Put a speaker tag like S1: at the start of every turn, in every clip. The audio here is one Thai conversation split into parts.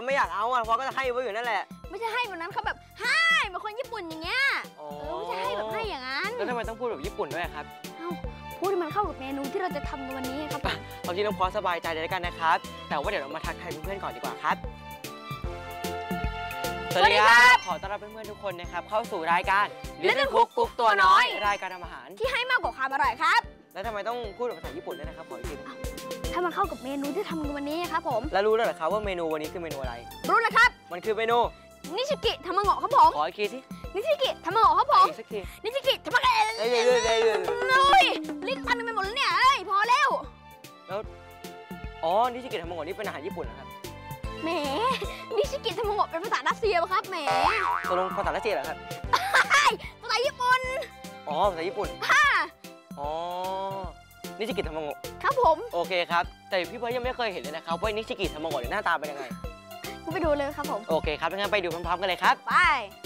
S1: ไม่อยากเอาอ่ะเพราะก็จะให้ไว้อยู่นั่นแหละ
S2: ไม่ใช่ให้แบบนั้นเขาแบบให้เหมือนคนญี่ปุ่นอย่างเงี้ยไม่ใช่ให้แบบให้อย่างนั้น
S1: แล้วทำไมต้องพูดแบบญี่ปุ่นด้วยครับ
S2: พูดให้มันเข้ากับเมนูที่เราจะทำในวันนี้ครับ
S1: เอาที่น้องพอสบายใจเลยแล้วกันนะครับแต่ว่าเดี๋ยวเรามาทักทายเพื่อนๆก่อนดีกว่าครับสวัสดีครับขอต้อนรับเพื่อนๆทุกคนนะครับเข้าสู่รายการ Little Cook กุ๊กตัวน้อยรายการทำอาหาร
S2: ที่ให้มากกว่าความอร่อยครับ
S1: แล้วทำไมต้องพูดภาษาญี่ปุ่นด้วยนะครับขออีกที
S2: ถ้ามันเข้ากับเมนูที่ทำในวันนี้ครับผม
S1: แล้วรู้แล้วเหรอครับว่าเมนูวันนี้คือเมนูอะไร
S2: รู้แล้วครับ
S1: มันคือเมนู
S2: นิชิกิทามาโงะครับผม
S1: ขออีกทีสิ
S2: นิชิกิทามาโงะครับผม
S1: อีกสักที
S2: นิชิกิทามาโงะลิ้นพันไปหมดแล้วเนี่ยพอแล้ว
S1: นิชิกิทามาโงะนี่เป็นอาหารญี่ปุ่นเหรอครับ
S2: แหมนิชิกิทามาโงะเป็นภาษารัสเซียครับแหม
S1: ตกลงภาษารัสเซียเหรอครับ
S2: ภาษาญี่ปุ่น
S1: ภาษาญี่ปุ่นนิชิกิทามาโงะ
S2: ครับผม
S1: โอเคครับแต่พี่เบิร์ดยังไม่เคยเห็นเลยนะครับว่านิชิกิทามาโงะหน้าตาเป็นยังไง
S2: ไปดูเลยครับผม
S1: โอเคครับงั้นไปดูพร้อมๆกันเลยครับ
S2: ไป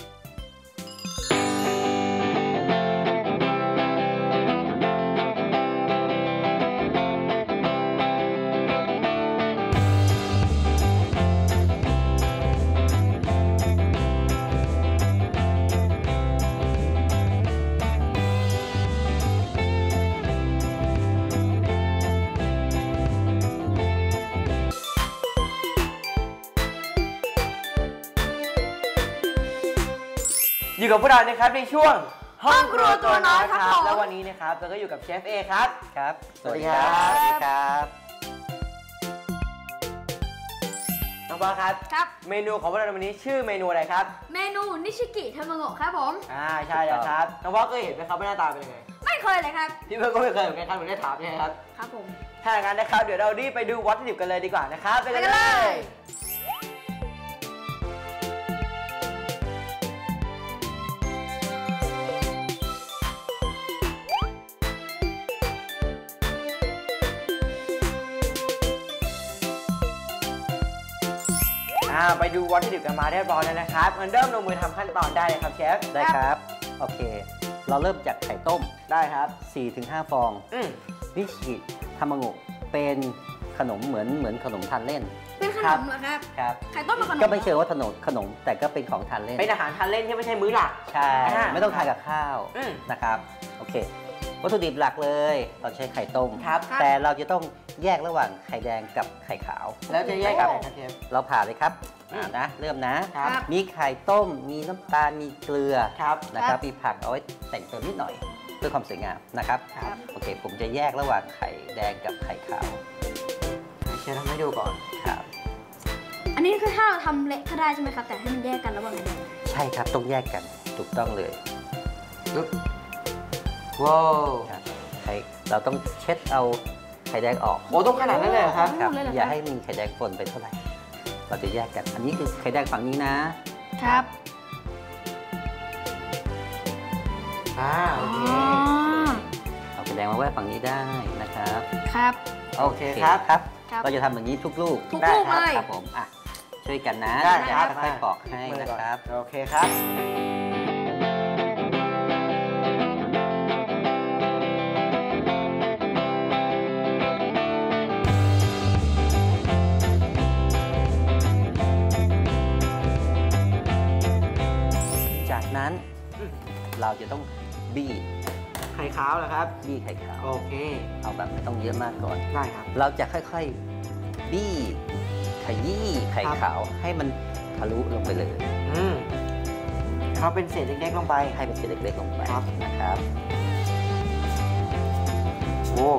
S1: อยู่กับพวกเรานะครับในช่วง
S2: ห้องครัวตัวน้อยครับ
S1: แล้ววันนี้นะครับเราก็อยู่กับเชฟเอครับ
S3: ครับ
S1: สวัสดีครับ
S3: สวัสดีครับ
S1: น้องปอครับเมนูของพวกเราวันนี้ชื่อเมนูอะไรครับ
S2: เมนูนิชิกิทามาโงะครับผม
S1: ใช่แล้วครับน้องปอเคยเห็นไหมครับว่าหน้าตาเป็นยังไง
S2: ไม่เคยเลยครับ
S1: พี่เพื่อนก็ไม่เคยเหมือนกันครับผมได้ถามใช่ไหมครับ
S2: ครับผม
S1: ถ้าอย่างนั้นนะครับเดี๋ยวเรารีบไปดูวัตถุดิบกันเลยดีกว่านะครับไปกันเลยไปดูวัตถุดิบกันมาเรียบร้อยแล้วนะครับงั้นเริ่มลงมือทำขั้นตอนได้เลยครับเชฟ
S3: ได้ครับโอเคเราเริ่มจากไข่ต้ม
S1: ได้ครับ
S3: 4-5 ฟองนิชิทามาโงะเป็นขนมเหมือนขนมทานเล่น
S2: เป็นขนมเหรอครับ
S3: ครับ
S2: ไข่ต้มเป็นขนม
S3: ก็ไม่เชิงว่าขนมแต่ก็เป็นของทานเล่น
S1: เป็นอาหารทานเล่นที่ไม่ใช่มื้อหลัก
S3: ใช่ไม่ต้องทานกับข้าวนะครับโอเควัตถุดิบหลักเลยเราใช้ไข่ต้มแต่เราจะต้องแยกระหว่างไข่แดงกับไข่ขาว
S1: แล้วจะแยกกันไหนครับเชฟ
S3: เราผ่าเลยครับนะเริ่มนะมีไข่ต้มมีน้ำตาลมีเกลือนะครับมีผักเอาไว้แต่งเติมนิดหน่อยเพื่อความสวยงามนะครับโอเคผมจะแยกระหว่างไข่แดงกับไข่ขาว
S1: เชฟทำให้ดูก่อน
S3: ครับ
S2: อันนี้คือถ้าเราทำเละก็ได้ใช่ไหมครับแต่ให้มันแยกกันระหว่างไข่แดง
S3: ใช่ครับต้องแยกกันถูกต้องเลย
S1: ว้าว
S3: เราต้องเช็ดเอาไข่แดงออก
S1: ต้องขนาดนั้นเลยครับ
S3: อย่าให้มีไข่แดงปนไปเท่าไหร่เราจะแยกกันอันนี้คือไข่แดงฝั่งนี้นะครับ
S1: โอเค
S3: เอาไข่แดงมาไว้ฝั่งนี้ได้นะครับ
S2: ครับ
S1: โอเคครับ
S3: เราจะทำอย่างนี้ทุกลูก
S2: ได้
S3: ครับผมช่วยกันนะค่อยๆปอกให้นะครับ
S1: โอเคครับ
S3: นั้นเราจะต้องบี้
S1: ไข่ขาวเหรอครับ
S3: บี้ไข่ขาว
S1: โอเค
S3: เอาแบบไม่ต้องเยอะมากก่อน
S1: ได้ครับ
S3: เราจะค่อยๆบี้ขยี้ไข่ขาวให้มันทะลุลงไปเลย
S1: เขาเป็นเศษเล็กๆลงไป
S3: ให้เป็นเศษเล็กๆลงไปนะครับ
S1: โอ้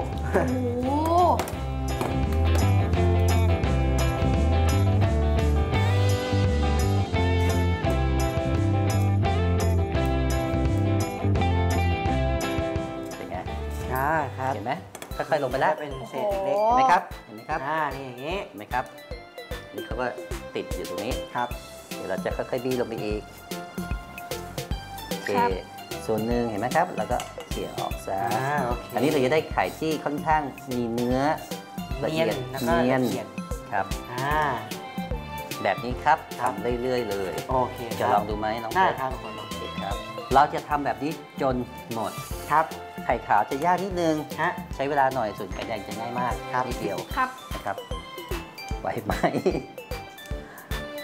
S3: เห็นไหมค่อยๆลงไปแล้ว
S1: เป็นเศษเล็ก
S3: เห็นไหมครับเห็นไหมครับ
S1: นี่อย่างนี้
S3: เห็นไหมครับนี่เขาก็ติดอยู่ตรงนี้
S1: ครับ
S3: เดี๋ยวเราจะค่อยๆบี้ลงไปอีกโอเคส่วนหนึ่งเห็นไหมครับแล้วก็เขี่ยออกซะอันนี้เราจะได้ไข่ที่ค่อนข้างมีเนื้อละเอียดเนียนครับแบบนี้ครับทำเรื่อยๆเลย
S1: โอเค
S3: จะลองดูไหมน้อง
S1: ได้ครับ
S3: ครับเราจะทำแบบนี้จนหมด
S1: ครับ
S3: ไข่ขาวจะยากนิดนึงใช้เวลาหน่อยส่วนไข่แดงจะง่ายมากนิดเดียวนะครับไหวไหม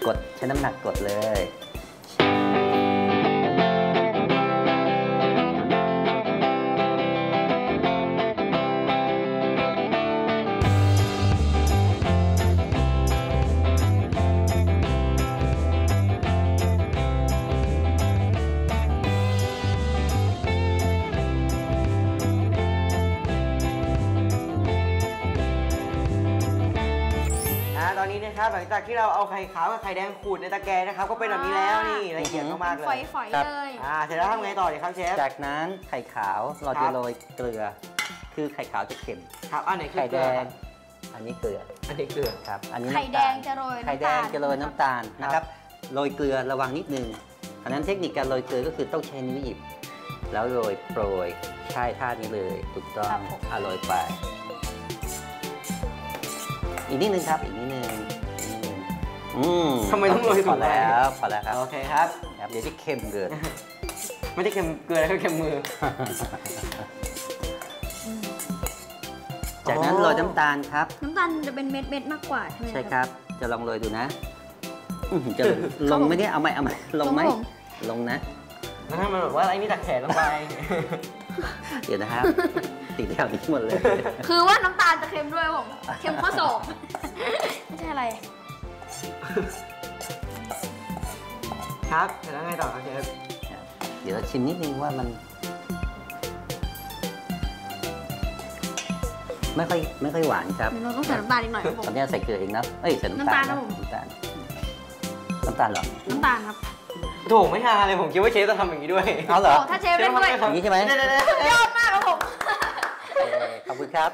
S3: กดใช้น้ำหนักกดเลย
S1: ตอนนี้นะครับหลังจากที่เราเอาไข่ขาวกับไข่แดงขูดในตะแกรงนะครับก็เป็นแบบนี้แล้วนี่ละเอียดมากๆเล
S2: ฝ
S1: ย
S2: อยๆเลย
S1: เสร็จแล้วทำไงต่อดีครับเชฟ
S3: จากนั้นไข่ขาวเราจะโรยเกลือ คือไข่ขาวจะเค็ม
S1: ครับอันไหนคือ
S3: ไข่
S1: เก
S3: แด
S1: ลือค
S3: ง
S1: รับ
S3: อันนี้เกลือ
S1: อันนี้เกลือ
S3: ครับ อันนี้
S2: ไข่
S3: น้ำ
S2: แด
S3: ตาล
S2: งจะโรย
S3: ไข่แดงจะโรยน้ำตาลนะครับ โรยเกลือระวังนิดนึงอันนั้นเทคนิคการโรยเกลือก็คือต้องใช้นิ้วหยิบ แล้วโรยโปรย ใช่ท่านี้เลย ถูกต้องโรยไป อีกนิดนึงครับ อีกนิดนึง
S1: ทำไมต้องโรย
S3: พอแล้วพอแล้วครับ
S1: โอเคครับ
S3: เดี๋ยวจะเค็มเกิน
S1: ไม่ได้เค็มเกลือแล้วก็เค็มมือ
S3: จากนั้นโรยน้ำตาลครับ
S2: น้ำตาลจะเป็นเม็ดๆมากกว่าใช่ไหม
S3: ใช่ครับ จะลองโรยดูนะจะลงไหมเนี่ยเอาไหมลงไหมลงนะ
S1: แล้วถ้ามันแบบว่าไอ้นี่ตักแขนลงไป
S3: เดี๋ยวนะครับ ติดแถวนี้หมดเลย
S2: คือว่าน้ำตาลจะเค็มด้วยผม เค็มข้อศอกไม่ใช่อะไร
S1: ครับเสร็จแล้วไงต่อครับเชฟ
S3: เดี๋ยวเราชิมนิดนึงว่ามันไม่ค่อยหวานครับ
S2: เราต้องใส่น้ำตาลอีกหน่อยครับผม
S3: ตอนนี้ใส่เกลือเองนะเอ้ยใส่น้ำตาล
S2: น้ำตาลครับผม
S3: น้ำตาลเหรอ
S2: น้ำตาลครับ
S1: โถไม่ฮาเลยผมคิดว่าเชฟจะทำอย่างนี้ด้วย
S3: เอาเหรอ
S2: โอ้ถ้าเชฟเล่นด้วย
S3: อย่างนี้ใช่ไหม
S2: ยอดมากครับผม
S3: ขอบคุณครับ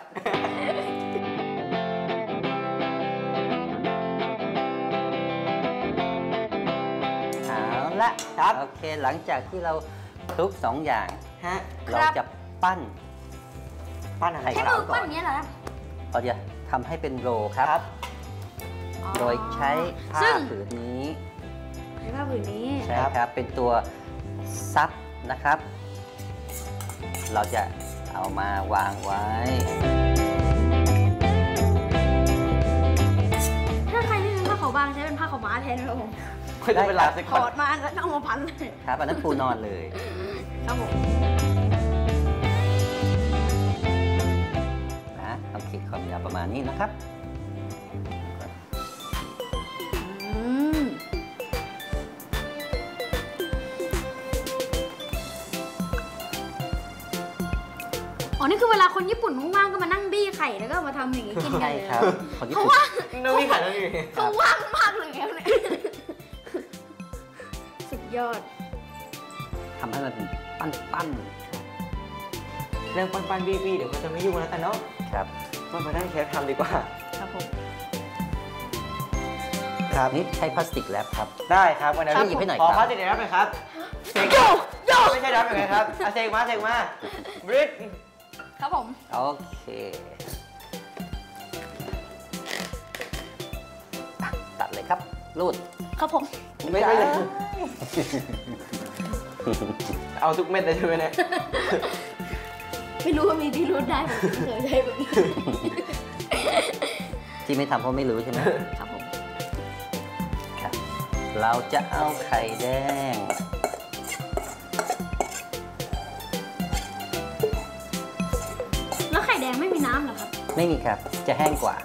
S3: เอาละครับโอเคหลังจากที่เราคลุกสองอย่าง
S1: ฮะ
S3: เราจะปั้น
S1: ปั้นอะไร
S3: ไข่
S2: ใช้
S3: ขาว
S2: มือ
S3: ก่
S2: ปั้
S3: อน น
S2: อย่างนี้ยเหรอครับ
S3: เราจะทำให้เป็นโรลครับ โดยใช้ผ้า
S2: ซึ่ง
S3: ผืนนี้
S2: ใช้ผ้าผืนนี้
S3: ใช่ครับ เป็นตัวซับนะครับ เราจะเอามาวางไว้
S2: ถ้าใครไม่มีผ้าขาวบางใช้เป็นผ้าขาวม้าแทนนะครับผม
S1: ไม่ต้องเป็นลาส
S2: ถ
S1: ก่อ
S2: อน ดมาแล้วเอามาพันเลย
S3: ครับ อันนั้นปูนอนเลย
S2: ครับผม
S3: นะเอาขีดความยาวประมาณนี้นะครับ
S2: อืมอ๋อ นี่คือเวลาคนญี่ปุ่นว่างๆก็มานั่งบี้ไข่แล้วก็มาทำอย่างนี้กินกัน
S3: ใช่
S2: เลย
S3: ครับคนญี่
S2: เพราะ
S3: ปุ่น
S2: ว่า
S1: น้องมีขายน้องอยู่
S2: เขาว่างมากเลยครับเนี่ยสุดยอด
S3: ทำให้มันเป็นปั้น
S1: เรื่องปั้นๆบี้ๆเดี๋ยวก็จะไม่ยุ่งแล้วกันเนาะ
S3: ๆครับ
S1: มาได้เชฟทำดีกว่า
S2: ครับผม
S1: ครับ
S3: นี่ใช้พลาสติกแรปครับ
S1: ได้ครับวันนี้
S3: ครับหยิบให้หน่อย
S1: ขอ
S3: ครับ
S1: พาสติกรับหน่อยครับเซกไม่ใช่รับยังไงครับเซกมาบริด
S2: ครับผม
S3: โอเคอ่ะตัดเลยครับ รูด
S2: ครับผม
S1: ไม่ใช่เอาทุกเม็ดเลยใช่ไหมเนี่ย
S2: ไม่รู้ว่ามีที่รูดได้ผมไม่เคยใช้แบบนี้
S3: ที่ไม่ทำเพราะไม่รู้ใช่ไหม
S2: ครับผม
S3: ครับ เราจะเอาไข่แดง
S2: แล้วไข่แดงไม่มีน้ำเหรอครับ
S3: ไม่มีครับ จะแห้งกว่า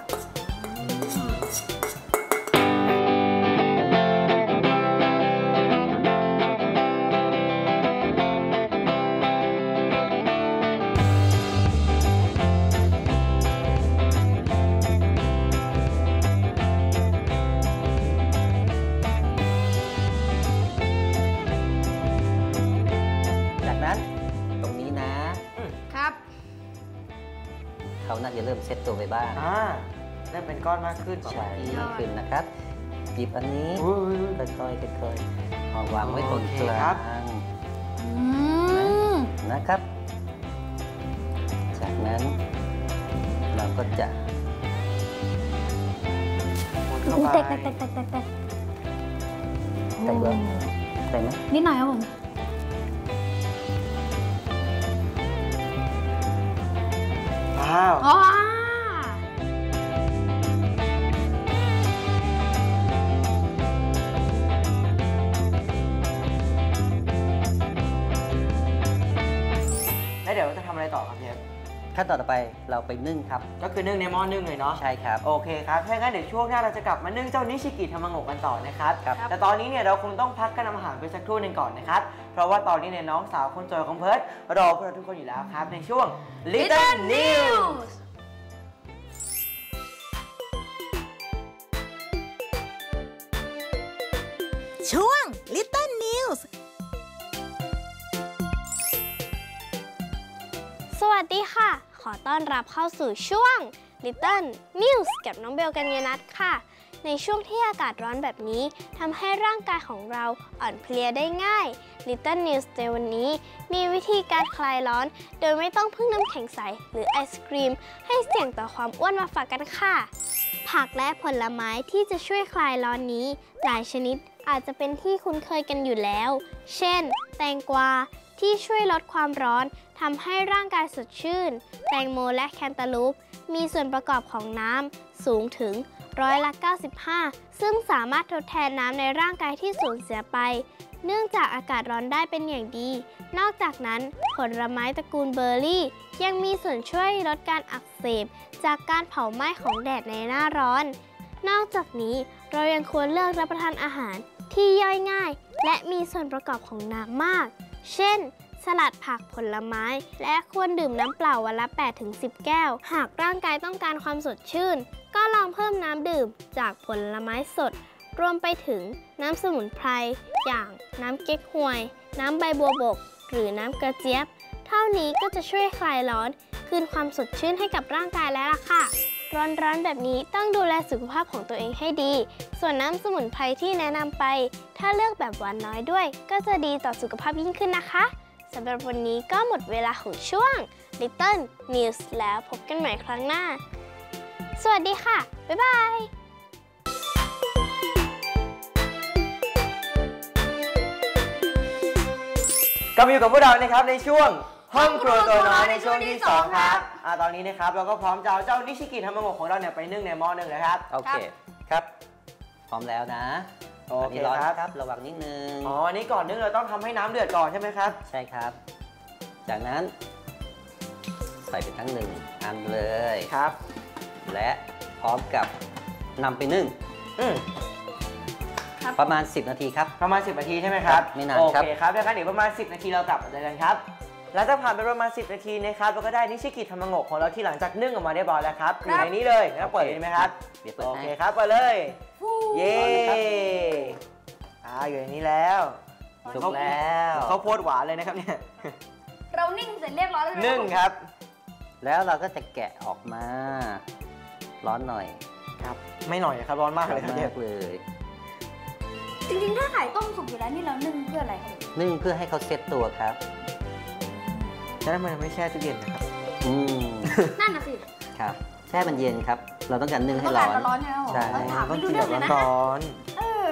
S3: จากนั้นตรงนี้นะ
S2: ครับ
S3: เขาน่าจะเริ่มเซ็ตตัวไปบ้าง
S1: เริ่มเป็นก้อนมากขึ้น
S3: ใช่
S2: ยอด
S3: มากขึ้นนะครับ หยิบอันนี้
S1: อุ้ย
S3: ค่อยๆเอาวางไว้ตรง
S1: โอเค
S3: กล
S1: ครั
S3: า
S1: บ
S3: ง
S2: อืม
S3: นะครับ จากนั้นเราก็จะ
S1: เข้า
S2: อู้
S1: ไป
S2: แตก
S3: ใส่เบอร์ใส่ไหม
S2: นิดหน่อยครับผม
S1: ว้าว
S2: อ๋อ
S3: ขั้นตอนต่อไปเราไปนึ่งครับ
S1: ก็คือนึ่งในหม้อนึ่งเลยเนาะ
S3: ใช่ครับ
S1: โอเคครับถ้างั้นเดี๋ยวช่วงหน้าเราจะกลับมานึ่งเจ้านิชิกิทามาโงะกันต่อนะครับ
S3: ครับ
S1: แต่ตอนนี้เนี่ยเราคงต้องพักกันทำอาหารไปสักครู่หนึ่งก่อนนะครับเพราะว่าตอนนี้เนี่ยน้องสาวคนสวยของเพิร์ดรอพวกเราทุกคนอยู่แล้วครับในช่วง Little News
S4: ช่วง Little News
S2: สวัสดีค่ะ ขอต้อนรับเข้าสู่ช่วง Little News กับน้องเบลกัญญนัทค่ะ ในช่วงที่อากาศร้อนแบบนี้ทำให้ร่างกายของเราอ่อนเพลียได้ง่าย Little News ในวันนี้มีวิธีการคลายร้อน โดยไม่ต้องพึ่งน้ำแข็งใสหรือไอศครีมให้เสี่ยงต่อความอ้วนมาฝากกันค่ะ ผักและผลไม้ที่จะช่วยคลายร้อนนี้ หลายชนิดอาจจะเป็นที่คุ้นเคยกันอยู่แล้ว เช่น แตงกวาที่ช่วยลดความร้อนทำให้ร่างกายสดชื่น แตงโมและแคนตาลูปมีส่วนประกอบของน้ำสูงถึง95%ซึ่งสามารถทดแทนน้ำในร่างกายที่สูญเสียไป เนื่องจากอากาศร้อนได้เป็นอย่างดี นอกจากนั้นผลไม้ตระกูลเบอร์รี่ ยังมีส่วนช่วยลดการอักเสบจากการเผาไหม้ของแดดในหน้าร้อน นอกจากนี้เรายังควรเลือกรับประทานอาหารที่ย่อยง่าย และมีส่วนประกอบของน้ำมาก เช่น สลัดผักผลไม้ และควรดื่มน้ำเปล่าวันละ 8-10 แก้ว หากร่างกายต้องการความสดชื่น ก็ลองเพิ่มน้ำดื่มจากผลไม้สด รวมไปถึงน้ำสมุนไพรอย่างน้ำเก๊กฮวย น้ำใบบัวบก หรือน้ำกระเจี๊ยบ เท่านี้ก็จะช่วยคลายร้อน คืนความสดชื่นให้กับร่างกายแล้วล่ะค่ะ ร้อนๆแบบนี้ต้องดูแลสุขภาพของตัวเองให้ดี ส่วนน้ำสมุนไพรที่แนะนำไป ถ้าเลือกแบบหวานน้อยด้วย ก็จะดีต่อสุขภาพยิ่งขึ้นนะคะสำหรับวันนี้ก็หมดเวลาของช่วง Little News แล้วพบกันใหม่ครั้งหน้า สวัสดีค่ะ บ๊ายบาย
S1: กลับมาอยู่กับพวกเรานะครับในช่วงห้องครัวตัวน้อยในช่วงที่ 2 ครับตอนนี้นะครับเราก็พร้อมจะเอาเจ้านิชิกิทามาโงะของเราเนี่ยไปนึ่งในหม้อนึ่งเลยครับ
S3: โอเคครับ พร้อมแล้วนะ
S1: โอเค
S3: นนี้ร้อน
S1: ครับ
S3: นะครับระวังนิดนึง
S1: อ๋ออันนี้ก่อนนึ่งเราต้องทำให้น้ำเดือดก่อนใช่ไหมครับ
S3: ใช่ครับ จากนั้น ใส่ไปทั้ง1 อันเลย
S1: ครับ
S3: และพร้อมกับนำไปนึ่ง
S1: อืม
S3: ประมาณ 10 นาทีครับ
S1: ประมาณ 10 นาทีใช่ไหมครับ
S3: ไม่นาน
S1: โอ
S3: ครับ
S1: เคครับดังนั้นเดี๋ยวประมาณ 10 นาทีเรากลับมาเจอกันครับหลังจากผ่านไปประมาณ 10 นาทีนะครับเราก็ได้นิชิกิทามาโงะของเราที่หลังจากนึ่งออกมาเรียบร้อยแล้วครับอยู่ในนี้เลยแล้วเปิดเลยไหมครับ
S3: เดี๋ยวเปิด
S1: โอ
S3: ให้
S1: เคครับเปิดเลยเย้
S3: ร้อนเลยครับ
S1: อยู่ในนี้แล้ว
S3: สุกแล้ว
S1: ข้าวโพดหวานเลยนะครับเนี่ย
S2: เรานิ่งเสร็จเรียบร้อยแล้ว
S1: นึ่งครับ
S3: แล้วเราก็จะแกะออกมา ร้อนหน่อย
S1: ครับ ไม่หน่อยครับร้อนมาก
S3: ร้อ
S1: เลย
S3: น
S1: ครับ
S3: มา
S1: เนี่ย
S3: กเลย
S2: จริงๆ ถ้าไข่ต้มสุกอยู่แล้วนี่เรานึ่งเพื่ออะไรคะ
S3: นึ่งเพื่อให้เขาเซ็ตตัวครับ
S1: ฉะนั้นมันไม่แช่ตู้เย็นนะครับ
S3: อืม
S2: นั่นน่ะสิ
S3: ครับแช่มันเย็นครับ เราต้องการนึ่งให้
S2: ต้อง
S3: ร้
S2: กา
S3: อ
S2: ร
S3: น
S2: ร้อนๆใช่ไหมผม
S3: ใช่
S2: เราถาม
S1: ต้อ
S2: ไม่
S1: ง
S2: รู้
S1: กิน
S2: เรื่
S1: แบ
S2: อง
S1: บ
S2: เลยนะ
S1: ร้อน
S2: เออ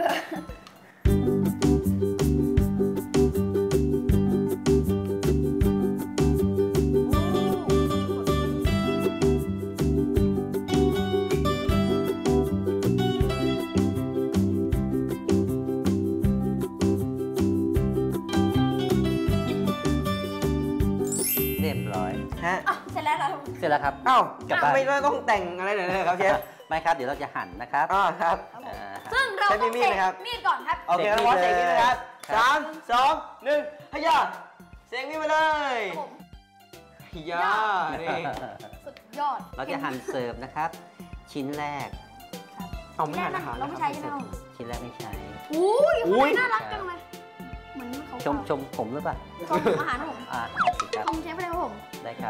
S3: เรียบร้อย
S1: ๆฮะ
S2: อ่ะเสร็จแล้วครับ
S3: เสร็จแล้วครับ
S1: อ้าว
S3: กลับบ้าน
S1: ไม่ต้องแต่งอะไรเลยนะครับเชฟ
S3: ไม่ครับ เดี๋ยวเราจะหั่นนะครับ
S1: ครับ
S3: อ่า
S2: ซึ่งเรา
S1: ใช้
S2: ต้อง
S1: มีดไหมครับ
S2: มีดก่อนครับ
S1: โอเค
S3: เสร็จ
S1: เราวอสเสก
S3: นี่
S1: นี่
S3: เลย
S1: นะครับ
S3: ครับ
S1: 3 2 1ฮยาเสกนี่ไปเลยฮยานี่
S2: สุดยอด
S3: เราจะหั่นเสิร์ฟนะครับ ชิ้นแรก
S1: เอาไม่หั่นอาหาร
S2: เราไม่ใช้ใช่ไหมครับ
S3: ชิ้นแรกไม่ใช้
S2: อุ้ย
S1: อุ้ย
S2: น่ารักจังเลยเหมือนเขา
S3: ชมผมหรือเปล่า
S2: ชมอาหารครับผม
S3: โอเคครับ
S2: ชมเชฟไปเลยครับผม
S3: ได้ครับ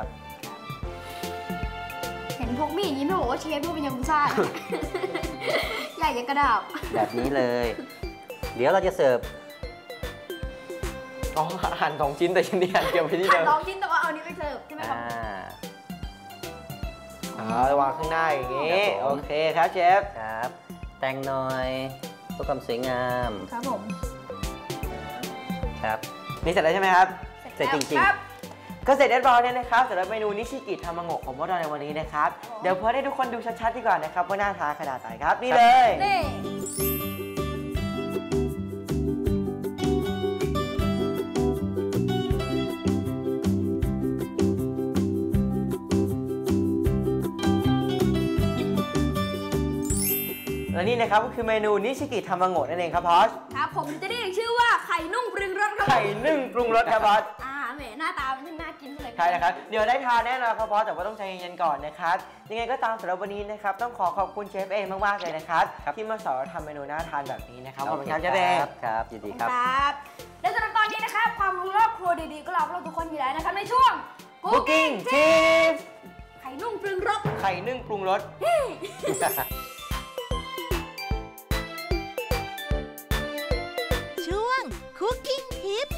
S2: เห็นพกมีดอย่างนี้ไม่บอกว่าเชฟพูดเป็นยากุซ่า ใหญ่ยังกระดาบ
S3: แบบนี้เลย เดี๋ยวเราจะเสิร์ฟ
S1: อ๋อหั่น2 ชิ้นแต่ชิ้นนี้หั่นเกี่ยวไปที่เดิม
S2: ลองชิ้นแต่ว่าเอานี้ไปเสิร์ฟใช่ไหมครับ
S1: วางข้างหน้าอย่างนี้
S3: ครับผม
S1: โอเคครับเชฟ
S3: ครับ แต่งหน่อยเพื่อความสวยงาม
S2: ครับผม
S3: ครับ
S1: นี่เสร็จแล้วใช่ไหมครับ
S3: เสร็จจริงๆ
S2: ครับ
S1: ก็เสร็จเรียบร้อยแล้วนะครับสำหรับเมนูนิชิกิทามาโงะของพวกเราในวันนี้นะครับ เดี๋ยวเพื่อให้ทุกคนดูชัดๆดีกว่านะครับว่าหน้าตาขนาดไหนครับ นี่เลย
S2: นี่
S1: และนี่นะครับก็คือเมนูนิชิกิทามาโงะนั่นเองครับพอช
S5: ครับผมจะได้ชื่อว่าไข่นุ่มปรุงรสครับ
S1: ไข่นึ่งปรุงรสครับพอช
S5: แหมหน้าตามันน่ากินเลย
S1: ใช่นะครับเดี๋ยวได้ทานแน่นอนครับพอชแต่ว่าต้องใจเย็นๆก่อนนะครับยังไงก็ตามสำหรับวันนี้นะครับต้องขอบคุณเชฟเอมากๆเลยนะครับที่มาสอนทำเมนูน่าทานแบบนี้นะครับขอบคุณครับเชฟเอ
S3: ครับยินดีครับ
S5: และสำหรับตอนนี้นะครับความรู้รอบครัวดีๆก็รอพวกเราทุกคนอยู่แล้วนะครับในช่วง
S1: Cooking Tips
S5: ไข่นุ่มปรุงรส
S1: ไข่นึ่งปรุงรส
S4: ช่วง Cooking Tips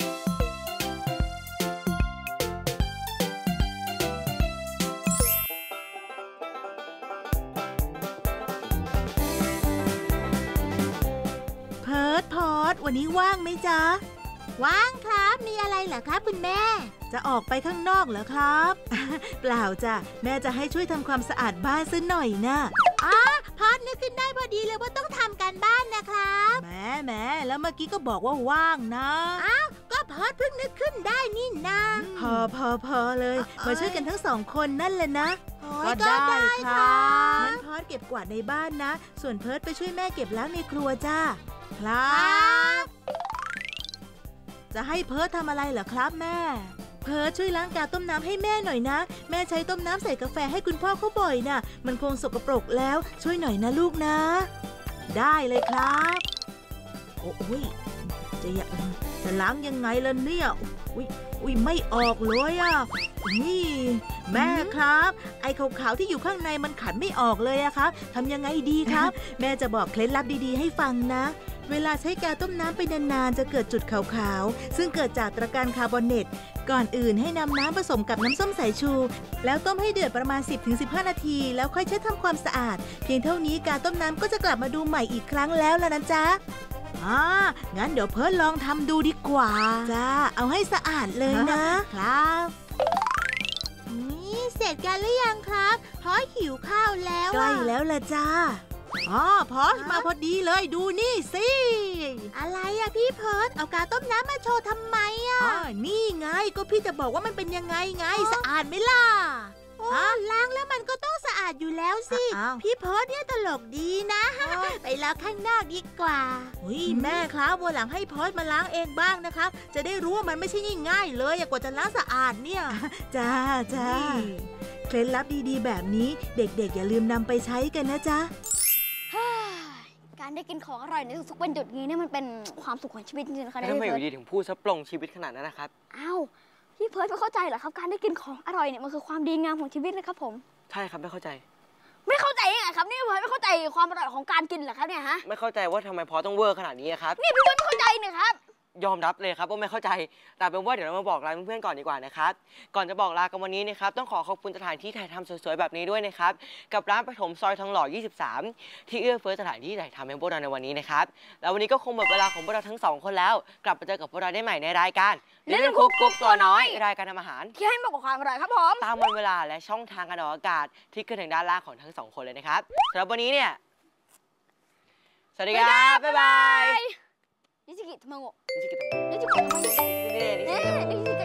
S4: เพิร์ทพอร์ตวันนี้ว่างไหมจ๊ะว่างครับมีอะไรเหรอครับคุณแม่จะออกไปข้างนอกเหรอครับ เปล่าจ้ะแม่จะให้ช่วยทำความสะอาดบ้านซะหน่อยนะพอดนึกขึ้นได้พอดีเลยว่าต้องทำการบ้านนะครับแม่แล้วเมื่อกี้ก็บอกว่าว่างนะก็พอดเพิ่งนึกขึ้นได้นี่นะพอเลยมาช่วยกันทั้ง2 คนนั่นแหละนะก็ได้ครับงั้นพอดเก็บกวาดในบ้านนะส่วนเพิร์ทไปช่วยแม่เก็บล้างในครัวจ้าครับจะให้เพิร์ททำอะไรเหรอครับแม่เพิร์ทช่วยล้างกาต้มน้ำให้แม่หน่อยนะแม่ใช้ต้มน้ำใส่กาแฟให้คุณพ่อเขาบ่อยนะมันคงสกปรกแล้วช่วยหน่อยนะลูกนะได้เลยครับโอ้ยจะล้างยังไงล่ะเนี่ยอุ้ยไม่ออกเลยอ่ะนี่แม่ครับไอ้ขาวๆที่อยู่ข้างในมันขันไม่ออกเลยอะครับทำยังไงดีครับ แม่จะบอกเคล็ดลับดีๆให้ฟังนะเวลาใช้กาต้มน้ำไปนานๆจะเกิดจุดขาวๆซึ่งเกิดจากตะการคาร์บอเนตก่อนอื่นให้นำน้ำผสมกับน้ำส้มสายชูแล้วต้มให้เดือดประมาณ 10-15 นาทีแล้วค่อยเช็ดทำความสะอาดเพียงเท่านี้กาต้มน้ำก็จะกลับมาดูใหม่อีกครั้งแล้วล่ะนะจ๊ะงั้นเดี๋ยวเพิร์ทลองทำดูดีกว่าจ้าเอาให้สะอาดเลยนะครับนี่เสร็จกันหรือยังครับพอหิวข้าวแล้วใกล้แล้วล่ะจ้าพอมาพอดีเลยดูนี่สิอะไรอะพี่เพิร์ทเอากาต้มน้ำมาโชว์ทำไมอะนี่ไงก็พี่จะบอกว่ามันเป็นยังไงสะอาดไหมล่ะล้างแล้วมันก็ต้องสะอาดอยู่แล้วสิพี่เพิร์ทเนี่ยตลกดีนะไปล้างข้างนอกดีกว่าแม่ครับวันหลังให้เพิร์ทมาล้างเองบ้างนะครับจะได้รู้ว่ามันไม่ใช่ง่ายๆเลยกว่าจะล้างสะอาดเนี่ยจ้าเคล็ดลับดีๆแบบนี้เด็กๆอย่าลืมนำไปใช้กันนะจ๊ะ
S5: การได้กินของอร่อยในทุกๆวันหยุดนี้เนี่ยมันเป็นความสุขของชีวิตจริงๆนะคะ
S1: ทำไมอยู่ดีถึงพูดซะปลงชีวิตขนาดนั้นนะครับ
S5: พี่เพิร์ทไม่เข้าใจเหรอครับการได้กินของอร่อยเนี่ยมันคือความดีงามของชีวิตนะครับผม
S1: ใช่ครับไม่เข้าใจ
S5: ยังไงครับนี่เพิร์ทไม่เข้าใจความอร่อยของการกินเหรอครับเนี่ยฮะ
S1: ไม่เข้าใจว่าทำไมพอต้องเวอร์ขนาดนี้ครับ
S5: นี่พี่เพิร์ทไม่เข้าใจเนี่ยครับ
S1: ยอมรับเลยครับว่าไม่เข้าใจแต่เป็นว่าเดี๋ยวเรามาบอกลาเพื่อนๆก่อนดีกว่านะครับก่อนจะบอกลากันวันนี้นะครับต้องขอบคุณสถานที่ถ่ายทำสวยๆแบบนี้ด้วยนะครับกับร้านปฐมซอยทองหล่อ 23 ที่เอื้อเฟื้อสถานที่ถ่ายทำให้พวกเราในวันนี้นะครับแล้ววันนี้ก็คงหมดเวลาของพวกเราทั้ง2 คนแล้วกลับมาเจอกับพวกเราได้ใหม่ในรายการLittle Cook กุ๊กตัวน้อยรายการทำอาหาร
S5: ที่ให้มากกว่าความอร่อยครับผม
S1: ตามวันเวลาและช่องทางการออกอากาศที่ขึ้นทางด้านล่างของทั้ง2 คนเลยนะครับสำหรับวันนี้เนี่ยสวัสดีครับบ๊ายบาย
S5: นิชิกิทามาโงะ
S1: นิชิกิทามาโงะ
S5: นิชิกิ